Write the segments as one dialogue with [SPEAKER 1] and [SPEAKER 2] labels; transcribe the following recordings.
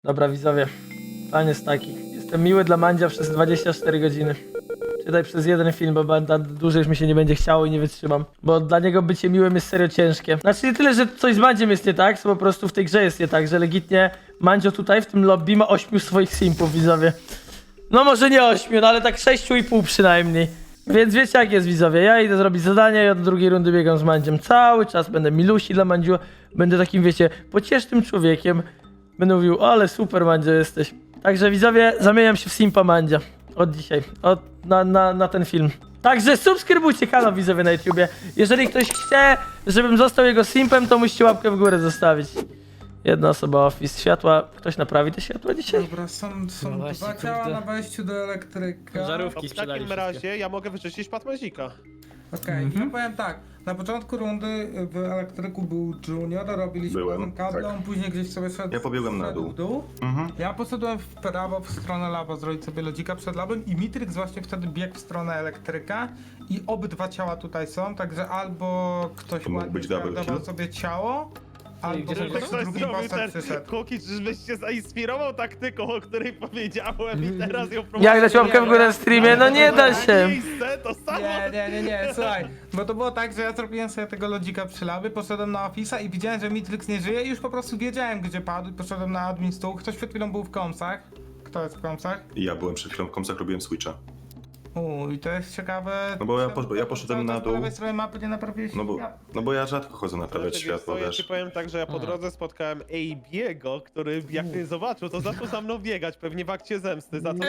[SPEAKER 1] Dobra, widzowie. Plan jest taki. Jestem miły dla Mandzia przez 24 godziny. Czytaj przez jeden film, bo dłużej już mi się nie będzie chciało i nie wytrzymam. Bo dla niego bycie miłym jest serio ciężkie. Znaczy nie tyle, że coś z Mandziem jest nie tak, co po prostu w tej grze jest nie tak, że legitnie Mandzio tutaj w tym lobby ma 8 swoich simpów, widzowie. No może nie 8, no ale tak 6,5 przynajmniej. Więc wiecie jak jest, widzowie, ja idę zrobić zadanie i od drugiej rundy biegam z Mandziem. Cały czas będę milusi dla Mandziu, będę takim, wiecie, pociesznym człowiekiem. Będę mówił, o, ale super Mandzio jesteś. Także widzowie, zamieniam się w simpa Mandzia. Od dzisiaj, na ten film. Także subskrybujcie kanał, widzowie, na YouTubie. Jeżeli ktoś chce, żebym został jego simpem, to musicie łapkę w górę zostawić. Jedna osoba office. Światła, ktoś naprawi te światła dzisiaj?
[SPEAKER 2] Dobra, są
[SPEAKER 3] No właśnie,
[SPEAKER 2] dwa ciała
[SPEAKER 3] kurde.
[SPEAKER 2] na wejściu do elektryka.
[SPEAKER 3] Żarówki
[SPEAKER 4] W
[SPEAKER 3] sprzedali
[SPEAKER 4] takim
[SPEAKER 3] wszystkie.
[SPEAKER 4] razie ja mogę wyczyścić Patmazika.
[SPEAKER 2] Okej, ja powiem tak. Na początku rundy w elektryku był Junior, robiliśmy
[SPEAKER 5] Byłem,
[SPEAKER 2] razem kable,
[SPEAKER 5] tak.
[SPEAKER 2] on później gdzieś sobie szedł.
[SPEAKER 5] Ja pobiegłem na
[SPEAKER 2] szedł
[SPEAKER 5] dół.
[SPEAKER 2] w Ja poszedłem w prawo w stronę laba, zrobić sobie lodzika przed labem i Mitrix właśnie wtedy biegł w stronę elektryka i obydwa ciała tutaj są, także albo ktoś
[SPEAKER 5] To mógł
[SPEAKER 2] ładnie
[SPEAKER 5] być double
[SPEAKER 2] zgardował
[SPEAKER 5] kill?
[SPEAKER 2] sobie ciało, albo
[SPEAKER 3] gdzie są
[SPEAKER 2] ktoś
[SPEAKER 3] ciała?
[SPEAKER 2] drugi postać przyszedł.
[SPEAKER 4] Kuki, czyżbyś się zainspirował taktyką, o której powiedziałem i teraz ją
[SPEAKER 1] Jak dać łapkę w górę w streamie? No nie da się.
[SPEAKER 4] Miejsce, to samo.
[SPEAKER 2] Nie, słuchaj, bo to było tak, że ja zrobiłem sobie tego lodzika przy labie, poszedłem na Office'a i widziałem, że Mitrix nie żyje i już po prostu wiedziałem, gdzie padł i poszedłem na admin stół. Ktoś przed chwilą był w komsach. Kto jest w komsach?
[SPEAKER 5] I ja byłem przed chwilą w komsach, robiłem switcha.
[SPEAKER 2] I to jest ciekawe.
[SPEAKER 5] No bo ja poszedłem
[SPEAKER 2] Cały
[SPEAKER 5] na
[SPEAKER 2] czas
[SPEAKER 5] dół.
[SPEAKER 2] Po lewej stronie mapy nie naprawiłeś
[SPEAKER 5] No bo ja rzadko chodzę naprawiać
[SPEAKER 4] Znaczy,
[SPEAKER 5] światło,
[SPEAKER 4] wiesz co, ja
[SPEAKER 5] wiesz.
[SPEAKER 4] ci powiem tak, że ja po drodze spotkałem AB'ego, który jak mnie zobaczył, to zaczął za mną biegać, pewnie w akcie zemsty, za co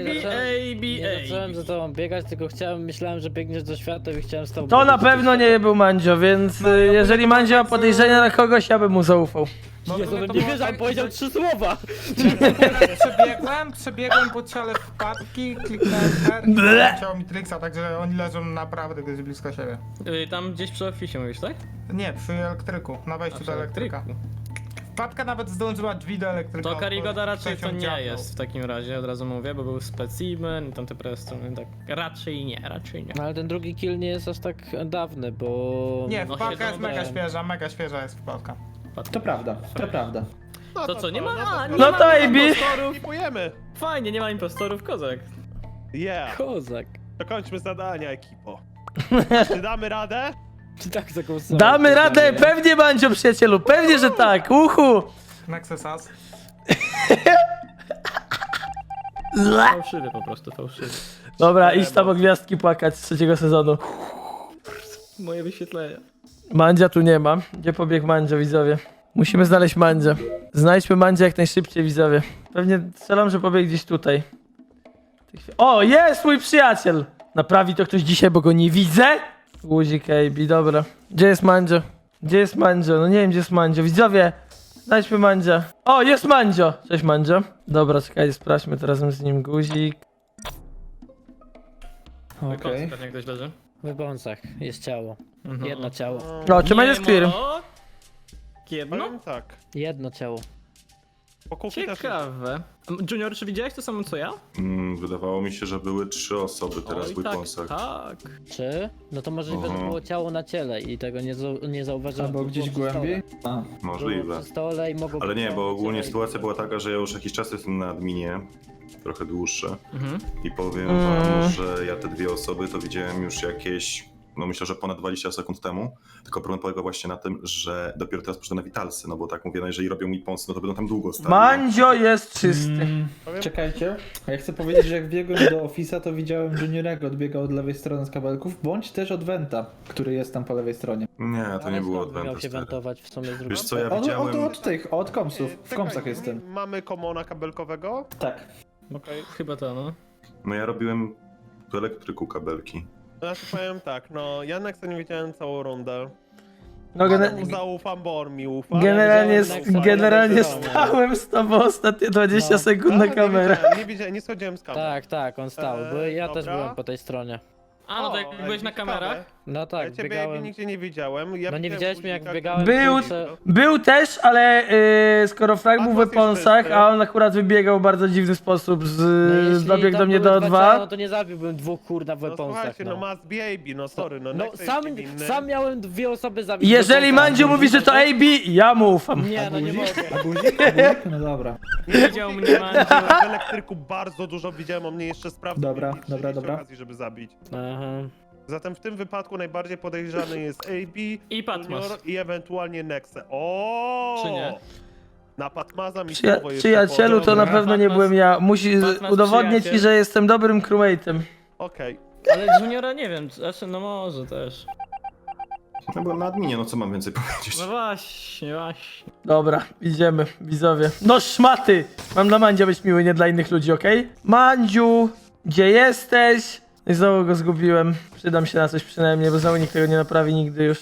[SPEAKER 3] Nie zacząłem za tobą biegać, tylko myślałem, że biegniesz do świata i chciałem z tobą
[SPEAKER 1] To na
[SPEAKER 3] biegać do
[SPEAKER 1] pewno
[SPEAKER 3] świata.
[SPEAKER 1] nie był Mandzio, więc jeżeli Mandzio ma podejrzenia na kogoś, ja bym mu zaufał.
[SPEAKER 2] No
[SPEAKER 3] Jezu,
[SPEAKER 2] to
[SPEAKER 3] no
[SPEAKER 2] było
[SPEAKER 3] nie wierzę,
[SPEAKER 2] tak,
[SPEAKER 3] on powiedział
[SPEAKER 2] że
[SPEAKER 3] 3 słowa!
[SPEAKER 2] Przebiegłem po ciele wpadki, kliknąłem R i
[SPEAKER 1] Ble.
[SPEAKER 2] zobaczyłem ciało Mitrixa, także oni leżą naprawdę gdzieś blisko siebie.
[SPEAKER 3] Tam gdzieś przy oficie mówisz, tak?
[SPEAKER 2] Nie, przy elektryku, na wejściu do elektryka. Wpadka nawet zdążyła drzwi do elektryka.
[SPEAKER 3] To Karigoda
[SPEAKER 2] otworzyć,
[SPEAKER 3] raczej
[SPEAKER 2] ktoś
[SPEAKER 3] to
[SPEAKER 2] ją
[SPEAKER 3] nie
[SPEAKER 2] dziabnął.
[SPEAKER 3] jest w takim razie, od razu mówię, bo był specimen i tamte strony, tak raczej nie.
[SPEAKER 6] No ale ten drugi kill nie jest aż tak dawny, bo...
[SPEAKER 2] Nie,
[SPEAKER 3] No,
[SPEAKER 2] wpadka jest
[SPEAKER 3] siedzą
[SPEAKER 2] mega świeża jest wpadka.
[SPEAKER 7] To prawda, to prawda.
[SPEAKER 4] No
[SPEAKER 3] To co, nie ma?
[SPEAKER 1] No to AB.
[SPEAKER 4] Skipujemy.
[SPEAKER 3] Fajnie, nie ma impostorów, kozak.
[SPEAKER 4] Yeah,
[SPEAKER 6] Kozak.
[SPEAKER 4] dokończmy zadania, ekipo. Czy damy radę?
[SPEAKER 6] Czy tak zagłosowałem?
[SPEAKER 1] Damy radę, pewnie Mandzio, przyjacielu, pewnie, że tak, uhu!
[SPEAKER 2] Nexusas.
[SPEAKER 3] Fałszywy po prostu, fałszywy.
[SPEAKER 1] Dobra, idź tam o gwiazdki płakać z 3. sezonu.
[SPEAKER 3] Moje wyświetlenia.
[SPEAKER 1] Mandzia tu nie ma. Gdzie pobiegł Mandzio, widzowie? Musimy znaleźć Mandzia. Znajdźmy Mandzia jak najszybciej, widzowie. Pewnie strzelam, że pobiegł gdzieś tutaj. O, jest mój przyjaciel! Naprawi to ktoś dzisiaj, bo go nie widzę? Guzik AB, dobra. Gdzie jest Mandzio? Gdzie jest Mandzio? No nie wiem, gdzie jest Mandzio. Widzowie, znajdźmy Mandzia. O, jest Mandzio! Cześć, Mandzio. Dobra, czekajcie, sprawdźmy to razem z nim. Guzik.
[SPEAKER 7] Okej.
[SPEAKER 3] Pewnie ktoś leży.
[SPEAKER 6] W bąsach jest ciało.
[SPEAKER 3] Mhm.
[SPEAKER 6] Jedno ciało.
[SPEAKER 1] O, czy Mandzio jest clear?
[SPEAKER 3] Jedno?
[SPEAKER 4] Powiem tak.
[SPEAKER 6] Jedno ciało.
[SPEAKER 4] Po Kuki też
[SPEAKER 3] Ciekawe. Junior, czy widziałeś to samo co ja?
[SPEAKER 5] Wydawało mi się, że były 3 osoby teraz
[SPEAKER 3] Oj,
[SPEAKER 5] w
[SPEAKER 3] tak,
[SPEAKER 5] weaponsach.
[SPEAKER 3] tak.
[SPEAKER 6] Czy? No to możliwe, że
[SPEAKER 5] Mhm.
[SPEAKER 6] było ciało na ciele i tego nie zauważyłem.
[SPEAKER 7] Albo
[SPEAKER 6] Było
[SPEAKER 7] gdzieś
[SPEAKER 6] przy stole.
[SPEAKER 7] głębiej? A,
[SPEAKER 6] Było
[SPEAKER 5] Możliwe.
[SPEAKER 6] przy stole i mogło
[SPEAKER 5] Ale
[SPEAKER 6] być
[SPEAKER 5] nie,
[SPEAKER 6] ciało
[SPEAKER 5] bo
[SPEAKER 6] na
[SPEAKER 5] ogólnie
[SPEAKER 6] ciele i-
[SPEAKER 5] sytuacja była taka, że ja już jakiś czas jestem na adminie. Trochę dłuższe.
[SPEAKER 3] Mhm.
[SPEAKER 5] I powiem wam, że ja te 2 osoby to widziałem już jakieś, no myślę, że ponad 20 sekund temu. Tylko problem polega właśnie na tym, że dopiero teraz poszedłem na Witalsy, no bo tak mówię, no jeżeli robią mi ponsy, no to będą tam długo stali.
[SPEAKER 1] Mandzio jest czysty.
[SPEAKER 7] czekajcie. Ja chcę powiedzieć, że jak biegłem do Office'a, to widziałem Juniorego odbiegał od lewej strony z kabelków, bądź też od Venta, który jest tam po lewej stronie.
[SPEAKER 5] Nie, to
[SPEAKER 6] Ale
[SPEAKER 5] nie było
[SPEAKER 6] skąd by miał
[SPEAKER 5] od
[SPEAKER 6] się
[SPEAKER 5] Ventus.
[SPEAKER 6] wentować w sumie z drugiej
[SPEAKER 5] Wiesz co, ja
[SPEAKER 7] Od
[SPEAKER 5] widziałem...
[SPEAKER 7] tych, od komsów. W
[SPEAKER 4] Czekaj,
[SPEAKER 7] komsach jestem.
[SPEAKER 4] Mamy komona kabelkowego?
[SPEAKER 7] Tak.
[SPEAKER 4] Okej.
[SPEAKER 3] Chyba to, no.
[SPEAKER 5] No ja robiłem w elektryku kabelki.
[SPEAKER 4] Znaczy powiem tak, no ja Nexa nie widziałem całą rundę.
[SPEAKER 1] No,
[SPEAKER 4] Ale mu zaufam, bo on mi ufa.
[SPEAKER 1] generalnie,
[SPEAKER 6] widziałem
[SPEAKER 1] generalnie
[SPEAKER 6] Nexa,
[SPEAKER 1] stałem z tobą ostatnie 20 sekund na
[SPEAKER 4] Ale
[SPEAKER 1] kamerę.
[SPEAKER 4] nie schodziłem z kamery.
[SPEAKER 6] Tak, on stał, bo ja też
[SPEAKER 4] Dobra.
[SPEAKER 6] byłem po tej stronie.
[SPEAKER 3] A, no to jak
[SPEAKER 4] O,
[SPEAKER 3] byłeś na
[SPEAKER 4] ciekawe.
[SPEAKER 3] kamerach, No
[SPEAKER 4] Ja
[SPEAKER 3] tak,
[SPEAKER 4] ciebie
[SPEAKER 3] biegałem.
[SPEAKER 4] nigdzie nie widziałem. Ja
[SPEAKER 3] No nie
[SPEAKER 4] widziałem
[SPEAKER 3] widziałeś mnie, jak
[SPEAKER 4] guzika,
[SPEAKER 3] biegałem,
[SPEAKER 1] Był,
[SPEAKER 3] kurczę.
[SPEAKER 1] był też, ale skoro Frag był w
[SPEAKER 4] Atlas jest
[SPEAKER 1] weaponsach,
[SPEAKER 4] czysty.
[SPEAKER 1] a on akurat wybiegał w bardzo dziwny sposób,
[SPEAKER 3] jeśli
[SPEAKER 1] dobiegł do
[SPEAKER 3] tam
[SPEAKER 1] mnie
[SPEAKER 3] były
[SPEAKER 1] do
[SPEAKER 3] dwa ciała,
[SPEAKER 1] O2.
[SPEAKER 3] No to nie zabiłbym dwóch kurna w
[SPEAKER 4] No
[SPEAKER 3] weaponsach,
[SPEAKER 4] słuchajcie, no must be AB, no sorry, no
[SPEAKER 3] No
[SPEAKER 4] Nexe jest
[SPEAKER 3] sam,
[SPEAKER 4] niewinny.
[SPEAKER 3] sam miałem 2 osoby zabić. w
[SPEAKER 1] Jeżeli
[SPEAKER 3] weaponsach.
[SPEAKER 1] Mandziu mówi, że to AB, ja mu ufam.
[SPEAKER 3] Nie, no nie mogę.
[SPEAKER 7] A guzik? A guzik? No dobra.
[SPEAKER 4] Nie widział mnie w elektryku bardzo dużo, widziałem, on mnie jeszcze sprawdził.
[SPEAKER 7] Dobra,
[SPEAKER 4] mieli
[SPEAKER 7] dobra,
[SPEAKER 4] 30
[SPEAKER 7] dobra.
[SPEAKER 4] okazji, żeby zabić.
[SPEAKER 3] Aha.
[SPEAKER 4] Zatem w tym wypadku najbardziej podejrzany jest AB,
[SPEAKER 8] I Patmas.
[SPEAKER 4] Junior i ewentualnie Nexe. O!
[SPEAKER 8] Czy nie?
[SPEAKER 4] Na Patmaza mi słowo jeszcze
[SPEAKER 1] Przyjacielu, to
[SPEAKER 4] podał.
[SPEAKER 1] na pewno nie byłem ja.
[SPEAKER 8] Patmas
[SPEAKER 1] Udowodnię ci,
[SPEAKER 8] przyjaciel.
[SPEAKER 1] że jestem dobrym crewmate'em.
[SPEAKER 4] Okej.
[SPEAKER 8] Ale Juniora nie wiem, znaczy no może też.
[SPEAKER 5] No byłem na adminie, no co mam więcej powiedzieć?
[SPEAKER 8] No właśnie, właśnie.
[SPEAKER 1] Dobra, idziemy, widzowie. No szmaty! Mam dla Mandzia być miły, nie dla innych ludzi, okej? Mandziu, gdzie jesteś? I znowu go zgubiłem. Przydam się na coś przynajmniej, bo znowu nikt tego nie naprawi nigdy już.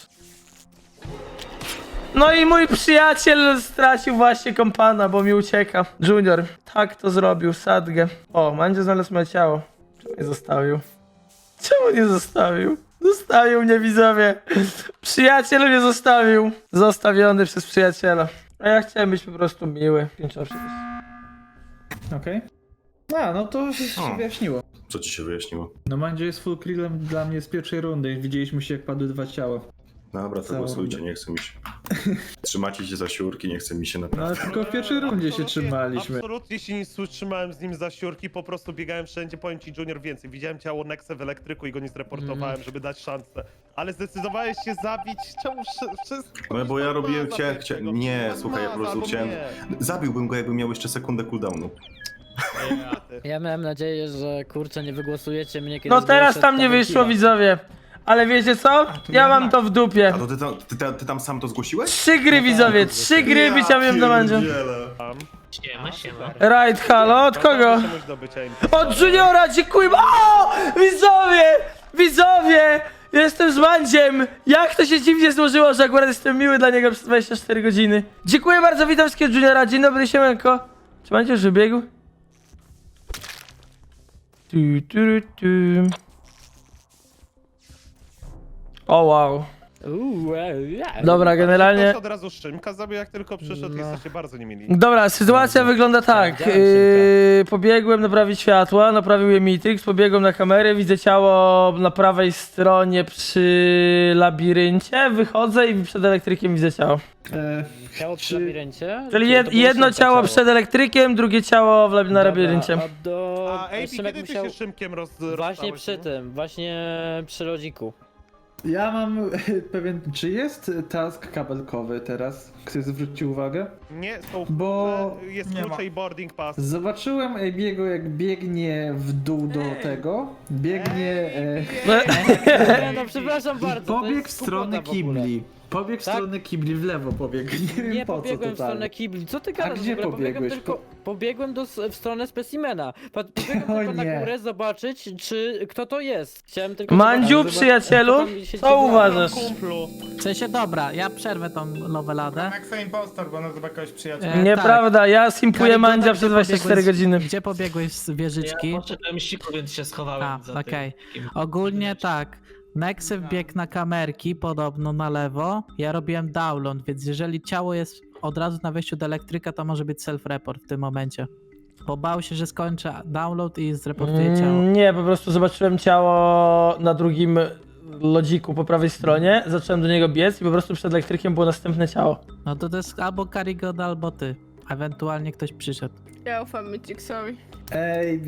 [SPEAKER 1] No i mój przyjaciel stracił właśnie kompana, bo mi ucieka. Junior, tak to zrobił, sadgę. O, Mandzio znalazł moje ciało. Czemu nie zostawił? Czemu nie zostawił? Zostawił mnie, widzowie. Przyjaciel mnie zostawił. Zostawiony przez przyjaciela. A ja chciałem być po prostu miły. Pięczowo przecież.
[SPEAKER 7] Okej. A, no to się
[SPEAKER 5] O.
[SPEAKER 7] wyjaśniło.
[SPEAKER 5] Co ci się wyjaśniło?
[SPEAKER 7] No Mandzio jest full krillem dla mnie z pierwszej rundy. Widzieliśmy się, jak padły 2 ciała.
[SPEAKER 5] Dobra, to
[SPEAKER 7] Całą
[SPEAKER 5] głosujcie,
[SPEAKER 7] rundę.
[SPEAKER 5] nie chce mi się. Trzymacie się za siurki, nie chce mi się
[SPEAKER 7] No
[SPEAKER 5] naprawdę.
[SPEAKER 7] ale tylko w pierwszej rundzie się
[SPEAKER 4] Absolutnie-
[SPEAKER 7] trzymaliśmy.
[SPEAKER 4] Absolutnie się nie trzymałem z nim za siurki, po prostu biegałem wszędzie, powiem ci Junior więcej. Widziałem ciało Nexe w elektryku i go nie zreportowałem, żeby dać szansę. Ale zdecydowałeś się zabić, czemu wszystko?
[SPEAKER 5] No bo ja robiłem, chciałem,
[SPEAKER 4] tego.
[SPEAKER 5] nie, słuchaj, ja po prostu
[SPEAKER 4] Albo
[SPEAKER 5] chciałem,
[SPEAKER 4] mnie.
[SPEAKER 5] zabiłbym go, jakbym miał jeszcze sekundę cooldownu.
[SPEAKER 3] Ja miałem nadzieję, że kurczę nie wygłosujecie mnie kiedy
[SPEAKER 1] No teraz tam nie wyszło, widzowie. Ale wiecie co? Ja mam to w dupie.
[SPEAKER 5] A to ty tam sam to zgłosiłeś?
[SPEAKER 1] 3 gry, widzowie, 3 gry wyciąłem do Mandzia.
[SPEAKER 8] Siema, siema.
[SPEAKER 1] Right, halo, od kogo?
[SPEAKER 4] Muszę mieć do bycia
[SPEAKER 1] Od Juniora, dziękuję. O! Widzowie! Widzowie! Jestem z Mandziem! Jak to się dziwnie złożyło, że akurat jestem miły dla niego przez 24 godziny. Dziękuję bardzo, witam wszystkiego Juniora. Dzień dobry, siemanko. Czy Mandzio już wybiegł? Tu. O wow. Dobra, generalnie...
[SPEAKER 4] Ktoś od razu Szymka zabił, jak tylko przyszedł, jesteście bardzo niemili.
[SPEAKER 1] Dobra, sytuacja wygląda tak.
[SPEAKER 3] Widziałem
[SPEAKER 1] Pobiegłem naprawić światła, naprawił je Mitrix, pobiegłem na kamerę, widzę ciało na prawej stronie przy labiryncie, wychodzę i przed elektrykiem widzę ciało.
[SPEAKER 3] Ciało przy
[SPEAKER 7] Czy-
[SPEAKER 3] labiryncie?
[SPEAKER 1] Czyli
[SPEAKER 3] Czy to było
[SPEAKER 1] jedno
[SPEAKER 3] Szymka
[SPEAKER 1] ciało przed elektrykiem, drugie ciało na
[SPEAKER 3] Dobra,
[SPEAKER 1] labiryncie.
[SPEAKER 3] A do...
[SPEAKER 4] A AB,
[SPEAKER 3] Szymek
[SPEAKER 4] kiedy ty
[SPEAKER 3] musiał...
[SPEAKER 4] się Szymkiem
[SPEAKER 3] Właśnie
[SPEAKER 4] rozstałeś,
[SPEAKER 3] przy
[SPEAKER 4] no?
[SPEAKER 3] tym, właśnie przy lodziku.
[SPEAKER 7] Ja mam pewien... Czy jest task kabelkowy teraz? Chcesz zwrócić uwagę?
[SPEAKER 4] Nie, są
[SPEAKER 7] Bo-
[SPEAKER 4] jest
[SPEAKER 2] Nie ma.
[SPEAKER 4] klucze i boarding pass.
[SPEAKER 7] Zobaczyłem Abiego, jak biegnie w dół do tego. Biegnie...
[SPEAKER 3] Nie, no przepraszam
[SPEAKER 7] I
[SPEAKER 3] bardzo. to
[SPEAKER 7] pobiegł
[SPEAKER 3] jest
[SPEAKER 7] w stronę
[SPEAKER 3] głupota w ogóle.
[SPEAKER 7] kibli. Pobiegł w
[SPEAKER 3] Tak?
[SPEAKER 7] stronę kibli, w lewo pobiegł. Nie wiem
[SPEAKER 3] Nie
[SPEAKER 7] po co
[SPEAKER 3] pobiegłem w stronę
[SPEAKER 7] totalnie.
[SPEAKER 3] kibli. Co ty gadasz?
[SPEAKER 7] gdzie
[SPEAKER 3] w ogóle?
[SPEAKER 7] pobiegłeś?
[SPEAKER 3] Pobiegłem w stronę specimena. Pobiegłem
[SPEAKER 7] O
[SPEAKER 3] tylko na
[SPEAKER 7] nie.
[SPEAKER 3] górę zobaczyć, czy kto to jest. Chciałem tylko
[SPEAKER 1] Mandziu,
[SPEAKER 3] zobaczyć,
[SPEAKER 1] przyjacielu,
[SPEAKER 3] kto tam się
[SPEAKER 1] co
[SPEAKER 3] dzieje.
[SPEAKER 1] uważasz?
[SPEAKER 4] Kumplu.
[SPEAKER 9] W sensie dobra, ja przerwę tą noweladę.
[SPEAKER 2] Nexe impostor, bo nazywa kogoś przyjaciela.
[SPEAKER 1] Nieprawda, ja simpuję
[SPEAKER 9] Karigoda,
[SPEAKER 1] Mandzia
[SPEAKER 9] gdzie
[SPEAKER 1] przez 24
[SPEAKER 9] pobiegłeś-
[SPEAKER 1] godziny.
[SPEAKER 9] Gdzie pobiegłeś z wieżyczki?
[SPEAKER 8] Ja poszedłem siku, więc się schowałem
[SPEAKER 9] A,
[SPEAKER 8] za
[SPEAKER 9] okej.
[SPEAKER 8] tym.
[SPEAKER 9] Ogólnie tak. Nexy wbiegł na kamerki, podobno na lewo. Ja robiłem download, więc jeżeli ciało jest od razu na wejściu do elektryka, to może być self-report w tym momencie. Bo bał się, że skończy download i zreportuje ciało.
[SPEAKER 1] Nie, po prostu zobaczyłem ciało na drugim lodziku po prawej stronie, zacząłem do niego biec i po prostu przed elektrykiem było następne ciało.
[SPEAKER 9] No to jest albo Karigoda, albo ty. Ewentualnie ktoś przyszedł.
[SPEAKER 10] Ja ufam Mytixowi.
[SPEAKER 7] AB.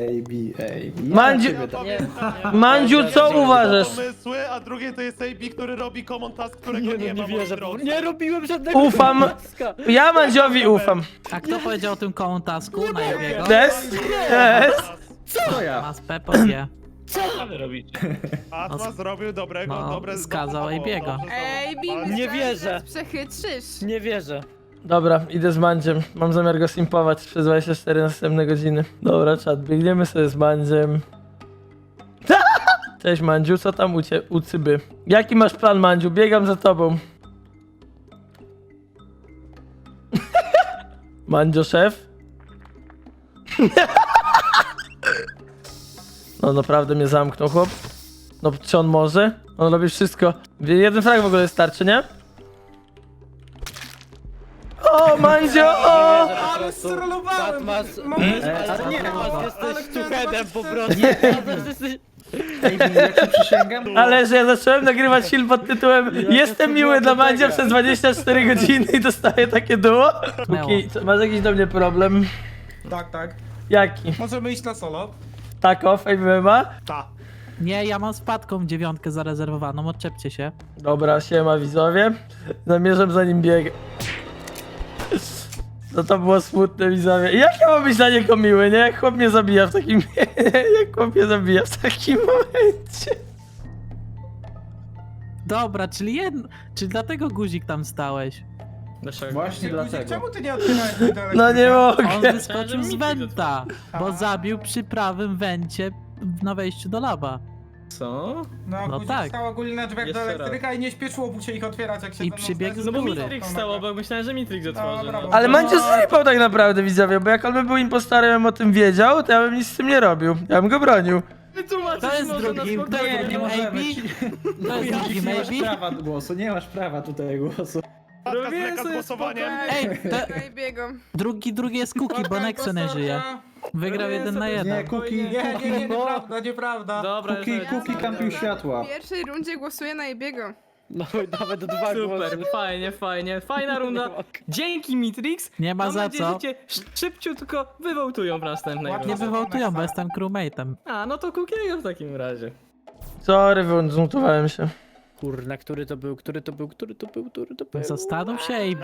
[SPEAKER 7] Ja
[SPEAKER 1] Mandziu-
[SPEAKER 7] ciebie dam.
[SPEAKER 3] Nie,
[SPEAKER 1] Mandziu, co uważasz?
[SPEAKER 4] Pomysły, a drugie to jest AB, który robi common task, którego nie,
[SPEAKER 3] nie
[SPEAKER 4] ma,
[SPEAKER 3] wierzę.
[SPEAKER 4] moi drodzy.
[SPEAKER 3] Nie robiłem żadnego
[SPEAKER 1] Ufam.
[SPEAKER 3] taska.
[SPEAKER 1] Ja Mandziowi ufam.
[SPEAKER 9] A kto powiedział o tym koło tasku na jego?
[SPEAKER 1] Des? Des?
[SPEAKER 7] To ja.
[SPEAKER 9] Mas Pepo wie.
[SPEAKER 8] Co wy robicie?
[SPEAKER 4] Atma zrobił dobrego,
[SPEAKER 9] No,
[SPEAKER 4] dobre...
[SPEAKER 9] skazał
[SPEAKER 4] dobrze,
[SPEAKER 9] Abiego.
[SPEAKER 4] dobrze,
[SPEAKER 10] Ej,
[SPEAKER 4] dobrze.
[SPEAKER 10] Bibi,
[SPEAKER 3] Nie wierzę.
[SPEAKER 10] Przechytrzysz.
[SPEAKER 3] Nie wierzę.
[SPEAKER 1] Dobra, idę z Mandziem. Mam zamiar go simpować przez 24 następne godziny. Dobra, czat, biegniemy sobie z Mandziem. Cześć Mandziu, co tam u cyby? Jaki masz plan, Mandziu? Biegam za tobą. Mandzio szef? No naprawdę mnie zamknął, chłop. No czy on może? On robi wszystko. Jeden frag w ogóle starczy, nie? O, Mandzio, o!
[SPEAKER 2] Ale strollowałem!
[SPEAKER 3] Batmas,
[SPEAKER 2] Moment,
[SPEAKER 3] nie,
[SPEAKER 2] ale
[SPEAKER 3] jesteś
[SPEAKER 2] chciałem
[SPEAKER 3] tuchedem po
[SPEAKER 2] zobaczyć-
[SPEAKER 3] prostu. Jesteś...
[SPEAKER 7] Ej, ja ci przysięgam.
[SPEAKER 1] Ale że ja zacząłem nagrywać film pod tytułem Jestem miły dla Mandzia przez 24 godziny i dostaję takie duo? Kuki, masz jakiś do mnie problem?
[SPEAKER 2] Tak, tak.
[SPEAKER 1] Jaki?
[SPEAKER 2] Możemy iść na solo.
[SPEAKER 1] Tako, Fame MMA?
[SPEAKER 2] Ta.
[SPEAKER 9] Nie, ja mam z Patką 9 zarezerwowaną, odczepcie się.
[SPEAKER 1] Dobra, siema widzowie. Zamierzam za nim biegać. No to było smutne, widzowie. Jak ja mam być dla niego miły, nie? Jak chłop mnie zabija w takim... Jak chłop mnie zabija w takim momencie.
[SPEAKER 9] Dobra, czyli dlatego guzik tam stałeś.
[SPEAKER 7] Właśnie dlatego.
[SPEAKER 2] Czemu ty nie otwierałeś tej dalej?
[SPEAKER 1] No nie mogę.
[SPEAKER 9] On wyskoczył z wenta, bo zabił przy prawym wencie na wejściu do laba.
[SPEAKER 8] Co?
[SPEAKER 2] No,
[SPEAKER 9] No
[SPEAKER 2] no
[SPEAKER 9] tak.
[SPEAKER 2] stał ogólnie na drzwiach do
[SPEAKER 8] Jeszcze
[SPEAKER 2] elektryka i nie śpieszyło mu się ich otwierać, jak się
[SPEAKER 9] I
[SPEAKER 2] ze mną
[SPEAKER 9] przybiegł
[SPEAKER 2] zderzył.
[SPEAKER 9] z góry.
[SPEAKER 8] Mitrix stał obok, myślałem, że Mitrix otworzy.
[SPEAKER 2] Dobra,
[SPEAKER 8] No.
[SPEAKER 2] bo-
[SPEAKER 1] Ale Mandzio zrypał tak naprawdę, widzowie, bo jak on by był impostorem, bym o tym wiedział, to ja bym nic z tym nie robił. Ja bym go bronił.
[SPEAKER 9] To jest drugim, to jest drugim AB. To jest drugim
[SPEAKER 7] Nie masz
[SPEAKER 9] AB.
[SPEAKER 7] prawa głosu, nie masz prawa tutaj głosu.
[SPEAKER 4] Patka zleka z głosowaniem.
[SPEAKER 9] Ej,
[SPEAKER 10] Najbiego.
[SPEAKER 9] drugi jest Kuki, bo Nexo nie żyje. Wygrał 1 na 1.
[SPEAKER 7] Nie, Kuki,
[SPEAKER 2] Nie, nieprawda, nieprawda.
[SPEAKER 8] Dobra,
[SPEAKER 7] Kuki kampił światła.
[SPEAKER 10] W pierwszej rundzie głosuję na Ibiego.
[SPEAKER 3] No nawet 2 głosy.
[SPEAKER 8] super, fajnie, fajna runda. Dzięki Mitrix.
[SPEAKER 9] Nie ma
[SPEAKER 8] Mam
[SPEAKER 9] za
[SPEAKER 8] nadzieję,
[SPEAKER 9] co.
[SPEAKER 8] że cię szybciutko wywołtują w następnej
[SPEAKER 2] Łatwo
[SPEAKER 9] Nie
[SPEAKER 8] rundzie.
[SPEAKER 9] wywołtują, bo jestem crewmate'em.
[SPEAKER 8] A, no to Kukiego w takim razie.
[SPEAKER 1] Sorry, zmutowałem się.
[SPEAKER 3] Kurna, który to był?
[SPEAKER 9] Zastanów się, AB.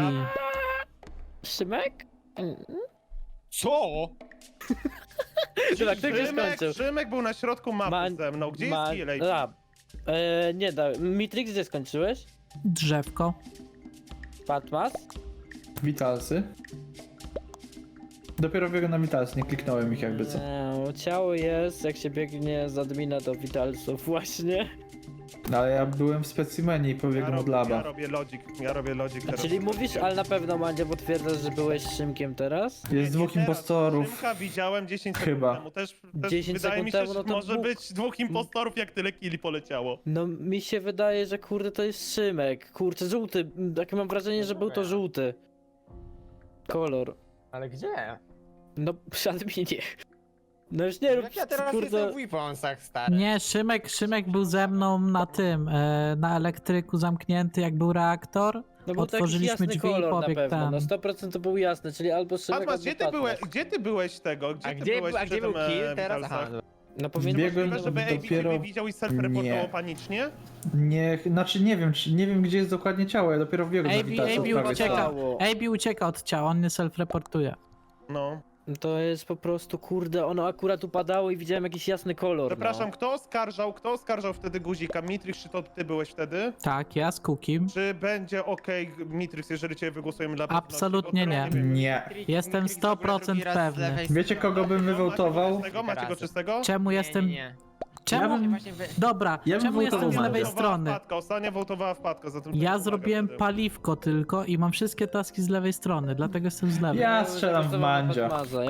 [SPEAKER 3] Szymek?
[SPEAKER 4] Co?
[SPEAKER 3] Szymek, ty gdzie skończył?
[SPEAKER 4] Szymek był na środku mapy
[SPEAKER 3] Man-
[SPEAKER 4] ze mną. Gdzie jest Kielej?
[SPEAKER 3] Nie da. Mitrix gdzie skończyłeś?
[SPEAKER 9] Drzewko.
[SPEAKER 3] Patmas?
[SPEAKER 7] Witalsy. Dopiero biegłem na Witalsy, nie kliknąłem ich jakby co.
[SPEAKER 3] Ciało jest, jak się biegnie z admina do Vitalsów właśnie.
[SPEAKER 7] No, ale ja byłem w specimenie i pobiegłem od
[SPEAKER 4] Ja
[SPEAKER 7] laba.
[SPEAKER 4] robię logik teraz.
[SPEAKER 3] Czyli mówisz, ale na pewno Mandzio potwierdzasz, że byłeś Szymkiem teraz?
[SPEAKER 7] Jest dwóch
[SPEAKER 4] Teraz
[SPEAKER 7] impostorów.
[SPEAKER 4] Szymka widziałem 10
[SPEAKER 7] Chyba.
[SPEAKER 4] sekund temu. Też
[SPEAKER 3] 10
[SPEAKER 4] wydaje mi
[SPEAKER 3] sekund
[SPEAKER 4] się,
[SPEAKER 3] temu,
[SPEAKER 4] że
[SPEAKER 3] no to
[SPEAKER 4] może
[SPEAKER 3] dwóch.
[SPEAKER 4] być dwóch impostorów, jak tyle killi poleciało.
[SPEAKER 3] No mi się wydaje, że kurde to jest Szymek. Kurczę, żółty. Takie mam wrażenie, że był to żółty. Kolor.
[SPEAKER 11] Ale gdzie?
[SPEAKER 3] No przy adminie. No już nie rób,
[SPEAKER 11] Jak ja teraz
[SPEAKER 3] kurde.
[SPEAKER 11] jestem w Weaponsach, stary.
[SPEAKER 9] Nie, Szymek był ze mną na tym, na elektryku zamknięty, jak był reaktor.
[SPEAKER 3] No bo to jakiś
[SPEAKER 9] Otworzyliśmy
[SPEAKER 3] jasny
[SPEAKER 9] drzwi i
[SPEAKER 3] kolor na
[SPEAKER 9] pobiegł
[SPEAKER 3] pewno.
[SPEAKER 9] tam.
[SPEAKER 3] No 100% to był jasny, czyli albo Szymek,
[SPEAKER 4] Patmas,
[SPEAKER 3] albo
[SPEAKER 4] gdzie ty
[SPEAKER 3] Patmas.
[SPEAKER 4] byłeś? Gdzie ty byłeś tego? Gdzie
[SPEAKER 11] A
[SPEAKER 4] ty
[SPEAKER 11] gdzie,
[SPEAKER 4] byłeś
[SPEAKER 11] a gdzie
[SPEAKER 4] przy
[SPEAKER 11] był
[SPEAKER 4] tym,
[SPEAKER 11] kill teraz?
[SPEAKER 4] Witalsach?
[SPEAKER 11] Aha,
[SPEAKER 3] No powinien
[SPEAKER 7] Biegłem
[SPEAKER 3] być
[SPEAKER 4] Możliwe, żeby AB
[SPEAKER 7] dopiero...
[SPEAKER 4] ciebie widział i self-reportował
[SPEAKER 7] Nie.
[SPEAKER 4] panicznie?
[SPEAKER 7] Nie, znaczy nie wiem gdzie jest dokładnie ciało, ja dopiero wbiegłem na Witalsy.
[SPEAKER 9] AB
[SPEAKER 7] prawie
[SPEAKER 9] ucieka.
[SPEAKER 7] co.
[SPEAKER 9] AB ucieka od ciała, on nie self-reportuje.
[SPEAKER 4] No.
[SPEAKER 3] To jest po prostu, kurde, ono akurat upadało i widziałem jakiś jasny kolor.
[SPEAKER 4] Przepraszam, kto oskarżał wtedy Guzika? Mitrix, czy to ty byłeś wtedy?
[SPEAKER 9] Tak, ja z Kukim.
[SPEAKER 4] Czy będzie okej, Mitrix, jeżeli cię wygłosujemy dla pewności?
[SPEAKER 9] Absolutnie
[SPEAKER 4] Bo
[SPEAKER 9] nie.
[SPEAKER 4] wiem.
[SPEAKER 7] Nie.
[SPEAKER 9] Jestem
[SPEAKER 11] Mitrix w ogóle
[SPEAKER 9] 100%
[SPEAKER 11] drugi raz z
[SPEAKER 9] pewny.
[SPEAKER 11] lewej
[SPEAKER 7] Wiecie kogo bym wywołtował?
[SPEAKER 4] Macie go czystego?
[SPEAKER 9] Czemu jestem...
[SPEAKER 11] Nie.
[SPEAKER 9] Czemu...
[SPEAKER 11] Właśnie
[SPEAKER 9] Dobra,
[SPEAKER 7] Ja bym
[SPEAKER 9] czemu jestem
[SPEAKER 7] wołtował
[SPEAKER 9] z lewej
[SPEAKER 7] Mandzia.
[SPEAKER 9] strony?
[SPEAKER 4] Ostatnia wołtowała wpadka, zatem...
[SPEAKER 9] Ja zrobiłem paliwko tylko i mam wszystkie taski z lewej strony, dlatego jestem z lewej.
[SPEAKER 7] Ja strzelam w Mandzia.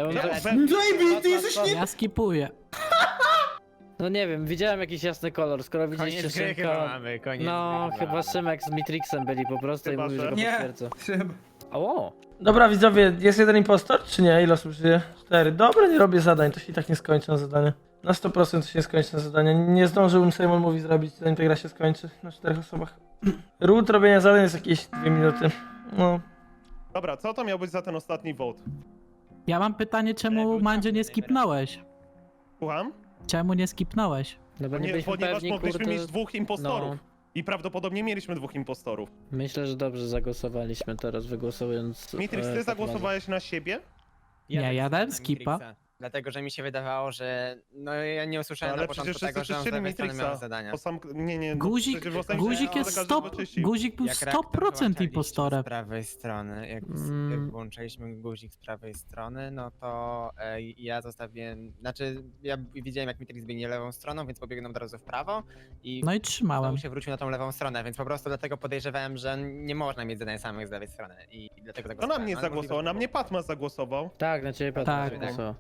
[SPEAKER 9] Ja skipuję.
[SPEAKER 3] No nie wiem, widziałem jakiś jasny kolor, skoro widzieliście
[SPEAKER 11] Koniec gry chyba
[SPEAKER 3] Szymka...
[SPEAKER 11] mamy, koniec
[SPEAKER 3] No,
[SPEAKER 11] gry
[SPEAKER 3] chyba Szymek z Mitrixem byli po prostu
[SPEAKER 4] Chyba,
[SPEAKER 3] i mówił, że
[SPEAKER 4] że-
[SPEAKER 3] go
[SPEAKER 2] Nie.
[SPEAKER 3] potwierdza.
[SPEAKER 2] Szym.
[SPEAKER 3] O!
[SPEAKER 1] Dobra, widzowie, jest jeden impostor, czy nie? Ile osób żyje? 4. Dobra, nie robię zadań, to się i tak nie skończy na zadanie. Na 100% to się nie skończy na zadanie. Nie zdążyłbym Simon Mówi zrobić, zanim ta gra się skończy. Na 4 osobach. Root robienia zadań jest jakieś 2 minuty. No.
[SPEAKER 4] Dobra, co to miał być za ten ostatni vote?
[SPEAKER 9] Ja mam pytanie, czemu Mandzio nie skipnąłeś?
[SPEAKER 4] Słucham?
[SPEAKER 9] Czemu nie skipnąłeś?
[SPEAKER 3] No bo nie byliśmy
[SPEAKER 4] Ponieważ
[SPEAKER 3] pewni,
[SPEAKER 4] mogliśmy
[SPEAKER 3] kurde...
[SPEAKER 4] mieć dwóch impostorów.
[SPEAKER 3] No.
[SPEAKER 4] I prawdopodobnie mieliśmy dwóch impostorów.
[SPEAKER 3] Myślę, że dobrze zagłosowaliśmy teraz, wygłosując...
[SPEAKER 4] Mitrix, ty
[SPEAKER 3] Fatmazę.
[SPEAKER 4] zagłosowałeś na siebie?
[SPEAKER 9] Nie, ja dałem
[SPEAKER 11] na
[SPEAKER 9] skipa.
[SPEAKER 11] Mitrixa. Dlatego, że mi się wydawało, że... No ja nie usłyszałem
[SPEAKER 4] Ale
[SPEAKER 11] na
[SPEAKER 4] przecież
[SPEAKER 11] początku
[SPEAKER 4] wszyscy
[SPEAKER 11] tego, że on z
[SPEAKER 4] czyścili
[SPEAKER 11] lewej strony
[SPEAKER 4] Matrixa.
[SPEAKER 11] miał zadania.
[SPEAKER 4] To sam... Nie, no,
[SPEAKER 9] Guzik,
[SPEAKER 4] przecież w ostatnim
[SPEAKER 9] guzik
[SPEAKER 4] sekundzie
[SPEAKER 9] jest
[SPEAKER 4] każdy
[SPEAKER 9] 100...
[SPEAKER 4] wyczyścił.
[SPEAKER 9] Guzik był
[SPEAKER 11] Jak reaktor
[SPEAKER 9] 100%
[SPEAKER 11] wyłączaliście
[SPEAKER 9] impostorem.
[SPEAKER 11] z prawej strony, jak włączaliśmy guzik z prawej strony, no to ja zostawiłem, znaczy ja widziałem jak Mitrix biegnie lewą stroną, więc pobiegłem od razu w prawo i
[SPEAKER 9] No i trzymałem.
[SPEAKER 11] znowu się wrócił na tą lewą stronę, więc po prostu dlatego podejrzewałem, że nie można mieć zadań samych z lewej strony i dlatego
[SPEAKER 4] No
[SPEAKER 11] zagłosowałem.
[SPEAKER 4] na mnie
[SPEAKER 11] ale
[SPEAKER 4] zagłosował, na
[SPEAKER 11] możliwe,
[SPEAKER 4] mnie Patmas zagłosował.
[SPEAKER 3] Tak, na ciebie
[SPEAKER 9] Tak.
[SPEAKER 3] Patmas wygłosował.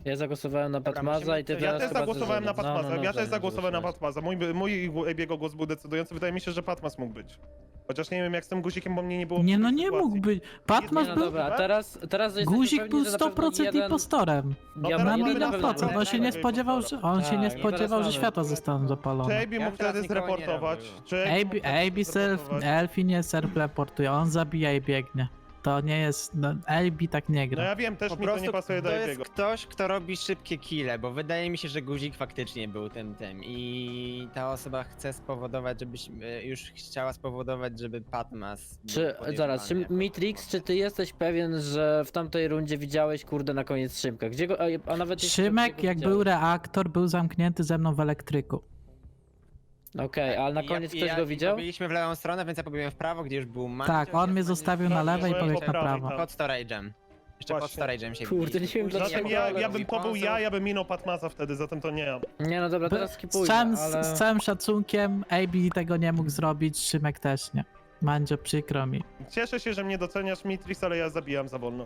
[SPEAKER 6] Ja zagłosowałem na
[SPEAKER 11] Dobra,
[SPEAKER 6] Patmaza
[SPEAKER 11] musimy-
[SPEAKER 6] i ty
[SPEAKER 11] Ja
[SPEAKER 4] Ja
[SPEAKER 6] teraz
[SPEAKER 4] też
[SPEAKER 6] chyba
[SPEAKER 4] zagłosowałem na
[SPEAKER 6] Zezula.
[SPEAKER 4] Patmaza, ja też
[SPEAKER 6] Zezula
[SPEAKER 4] zagłosowałem na
[SPEAKER 6] zagłosowałeś.
[SPEAKER 4] Patmaza. Mój Ebiego głos był decydujący, wydaje mi się, że Patmas mógł być. Chociaż nie wiem jak z tym guzikiem, bo mnie nie było.
[SPEAKER 9] Nie
[SPEAKER 4] w
[SPEAKER 9] no
[SPEAKER 4] tej
[SPEAKER 9] nie
[SPEAKER 4] sytuacji.
[SPEAKER 9] mógł być.
[SPEAKER 6] Nie,
[SPEAKER 9] Patmas
[SPEAKER 6] no
[SPEAKER 9] był...
[SPEAKER 6] dobra, a teraz jesteśmy
[SPEAKER 9] Guzik
[SPEAKER 6] pewni,
[SPEAKER 9] był
[SPEAKER 6] że na pewno
[SPEAKER 9] 100%
[SPEAKER 6] jeden...
[SPEAKER 9] impostorem.
[SPEAKER 4] No
[SPEAKER 6] Ja
[SPEAKER 4] teraz
[SPEAKER 6] mam
[SPEAKER 4] mamy
[SPEAKER 6] na pewno
[SPEAKER 9] 1%. On się nie spodziewał, że, on się nie
[SPEAKER 6] Tak,
[SPEAKER 9] spodziewał, że
[SPEAKER 6] teraz
[SPEAKER 9] światła
[SPEAKER 6] mamy.
[SPEAKER 9] zostaną zapalone.
[SPEAKER 4] Czy AB mógł
[SPEAKER 11] teraz
[SPEAKER 4] wtedy
[SPEAKER 11] nikogo nie
[SPEAKER 4] zreportować?
[SPEAKER 11] robił.
[SPEAKER 4] Czy AB mógł wtedy
[SPEAKER 9] AB self,
[SPEAKER 4] zreportować?
[SPEAKER 9] Elfi nie self-reportuje, on zabija i biegnie. To nie jest, no, AB tak nie
[SPEAKER 4] No
[SPEAKER 9] gra.
[SPEAKER 4] ja wiem, też
[SPEAKER 11] Po
[SPEAKER 4] mi to
[SPEAKER 11] prostu
[SPEAKER 4] nie pasuje do
[SPEAKER 11] to jest
[SPEAKER 4] Ebiego.
[SPEAKER 11] ktoś, kto robi szybkie kille, bo wydaje mi się, że guzik faktycznie był tym i ta osoba chce spowodować, już chciała spowodować, żeby Patmas był
[SPEAKER 6] Czy, zaraz, czy
[SPEAKER 11] podejrzewany jako
[SPEAKER 6] Mitrix, czy ty jesteś pewien, że w tamtej rundzie widziałeś, kurde, na koniec Szymka? Gdzie go, a nawet jeśli
[SPEAKER 9] Szymek,
[SPEAKER 6] go
[SPEAKER 9] jak
[SPEAKER 6] widziałeś?
[SPEAKER 9] był reaktor, był zamknięty ze mną w elektryku.
[SPEAKER 6] Okej, ale na koniec ktoś go widział?
[SPEAKER 11] Pobiliśmy w lewą stronę, więc ja pobiegłem w prawo, gdzie już był Mandzio,
[SPEAKER 9] Tak, on mnie zostawił na lewo i
[SPEAKER 4] byłem
[SPEAKER 9] pobiegł
[SPEAKER 4] po
[SPEAKER 9] na
[SPEAKER 4] prawej,
[SPEAKER 9] prawo.
[SPEAKER 4] tak.
[SPEAKER 11] pod storage'em. Jeszcze pod
[SPEAKER 4] Właśnie.
[SPEAKER 11] storage'em się
[SPEAKER 6] Kurde,
[SPEAKER 11] widzieliśmy.
[SPEAKER 6] nie wiem,
[SPEAKER 11] Później
[SPEAKER 6] dlaczego,
[SPEAKER 11] jak
[SPEAKER 4] Zatem ja
[SPEAKER 11] pobiegł
[SPEAKER 4] bym
[SPEAKER 11] Weaponsów-
[SPEAKER 4] ja bym minął Patmasa wtedy, zatem to nie ja.
[SPEAKER 6] Nie, no dobra, teraz
[SPEAKER 9] Z
[SPEAKER 6] skipujmy,
[SPEAKER 9] całym,
[SPEAKER 6] ale...
[SPEAKER 9] z całym szacunkiem, AB tego nie mógł zrobić, Szymek też nie. Mandzio, przykro mi.
[SPEAKER 4] Cieszę się, że mnie doceniasz, Mitrix, ale ja zabijam za wolno.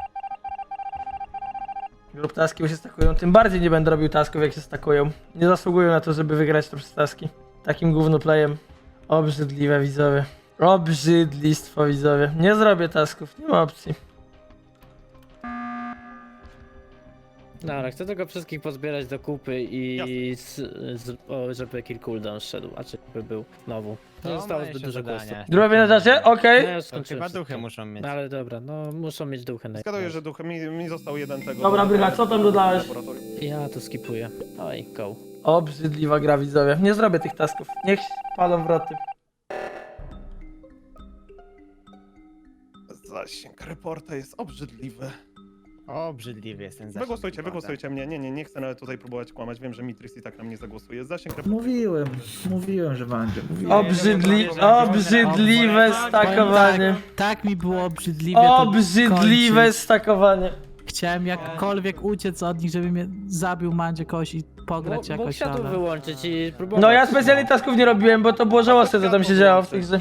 [SPEAKER 1] Lub taski bo się stakują, tym bardziej nie będę robił tasków jak się stakują. Nie zasługują na to, żeby wygrać to przez taski. Takim gównoplayem. Obrzydliwe widzowie. Obrzydlistwo widzowie. Nie zrobię tasków, nie ma opcji.
[SPEAKER 6] Dobra, chcę tylko wszystkich pozbierać do kupy i żeby kill cooldown szedł, a czy by był znowu. Nie
[SPEAKER 11] To
[SPEAKER 6] zostało
[SPEAKER 11] ma
[SPEAKER 6] zbyt
[SPEAKER 11] jeszcze
[SPEAKER 6] dużo
[SPEAKER 11] zadania.
[SPEAKER 6] głosów.
[SPEAKER 1] Drugie na czasie? Okej.
[SPEAKER 6] No ja już
[SPEAKER 11] To
[SPEAKER 6] skończyłem
[SPEAKER 11] chyba duchy
[SPEAKER 6] wszystko.
[SPEAKER 11] muszą mieć.
[SPEAKER 6] No ale dobra, no muszą mieć duchy na
[SPEAKER 4] Zgaduję, że duchy, mi został jeden tego.
[SPEAKER 1] Dobra, Brycha, co tam dodałeś?
[SPEAKER 4] Laboratorium.
[SPEAKER 6] Ja to skipuję. Oj, go.
[SPEAKER 1] Obrzydliwa gra widzowie. Nie zrobię tych tasków. Niech palą wroty.
[SPEAKER 4] Zasięg reporta jest obrzydliwy.
[SPEAKER 11] Obrzydliwy jest ten zasięg.
[SPEAKER 4] Wygłosujcie mnie. Nie chcę nawet tutaj próbować kłamać. Wiem, że Mitrix i tak na mnie zagłosuje. Zasięg reporta.
[SPEAKER 7] Mówiłem, że Mandzio.
[SPEAKER 1] Obrzydliwe stakowanie.
[SPEAKER 9] Tak mi było obrzydliwie to
[SPEAKER 1] Obrzydliwe
[SPEAKER 9] kończyć.
[SPEAKER 1] stakowanie.
[SPEAKER 9] Chciałem jakkolwiek uciec od nich, żeby mnie zabił Mandzio kogoś i pograć
[SPEAKER 6] Mógł
[SPEAKER 9] jakoś,
[SPEAKER 6] światło
[SPEAKER 9] ale...
[SPEAKER 6] wyłączyć i próbować.
[SPEAKER 1] No ja specjalnie tasków nie robiłem, bo to było żałosne co tam się działo w tych grze.